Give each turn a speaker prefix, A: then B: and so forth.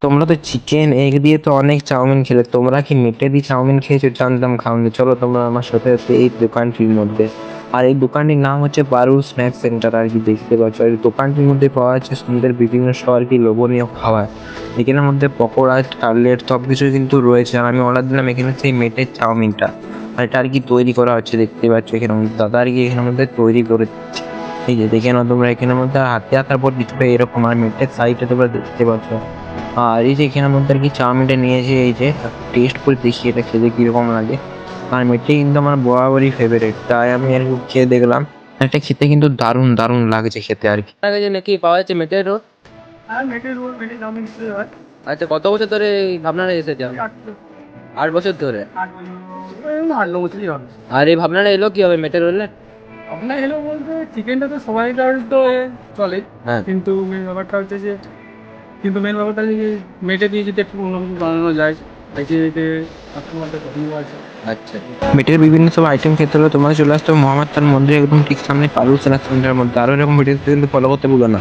A: তোমরা তো chicken egg দিয়ে তো অনেক চাউমিন খেলে, তোমরা কি মেটে দিয়ে চাউমিন খেয়েছো? জানতাম খাওনি। চলো তোমরা আমার সাথে সাথে এই দোকানটির মধ্যে। আর এই দোকানটির নাম হচ্ছে পারুল স্ন্যাক্স সেন্টার আর কি, দেখতে পাচ্ছ। আর এই দোকানটির মধ্যে পাওয়া যাচ্ছে সুন্দর বিভিন্ন সব আর কি লোভনীয় খাবার। এখানের মধ্যে পকোড়া, কাটলেট সব কিছুই কিন্তু রয়েছে। আর আমি অর্ডার দিলাম এখানে সেই মেটের চাউমিনটা। আর এটা আর কি তৈরি করা হচ্ছে, দেখতে পাচ্ছ এখানে দাদা আর কি এখানের মধ্যে তৈরি করে দিচ্ছে। এই যে দেখে নাও তোমরা, এখানের মধ্যে হাতে হাতার পর দিচ্ছে এরকম। আর মেটের সাইডে তোমরা দেখতে পাচ্ছ। আর এই যে এখানের মধ্যে আর কি চাউমিনটা নিয়েছে, এই যে টেস্ট করে দেখি এটা খেতে কিরকম লাগে। আর মেটে কিন্তু আমার বরাবরই ফেভারিট, তাই আমি আর কি খেয়ে দেখলাম। এটা খেতে কিন্তু দারুণ দারুণ লাগছে খেতে আর কি।
B: আপনার কাছে নাকি পাওয়া যাচ্ছে মেটের রোল?
C: আর মেটের রোল মেটে চাউমিন দিতে হয়।
B: আচ্ছা, কত বছর ধরে আপনারা এসেছেন? 8 বছর ধরে।
C: 8 বছরই হবে।
B: আর এই ভাবনাটা এলো কি হবে মেটের রোলের?
C: আপনার এলো বলতে চিকেনটা তো সবাই তো চলে,
B: হ্যাঁ।
C: কিন্তু মেন ব্যাপারটা হচ্ছে যে মেন ব্যাপারটা হচ্ছে যে মেটে দিয়ে যদি একটু অন্য কিছু বানানো যায়, দেখে এতে আপনার মধ্যে ভিউ আছে।
B: আচ্ছা।
A: মেটের বিভিন্ন সব আইটেম খেতে হলে তোমরা চলে আসতে হবে মোহাম্মদ তার মন্দির একদম ঠিক সামনে পারুল স্ন্যাক্স সেন্টারের মধ্যে। আরো এরকম ভিডিও কিন্তু ফলো করতে ভুলো না।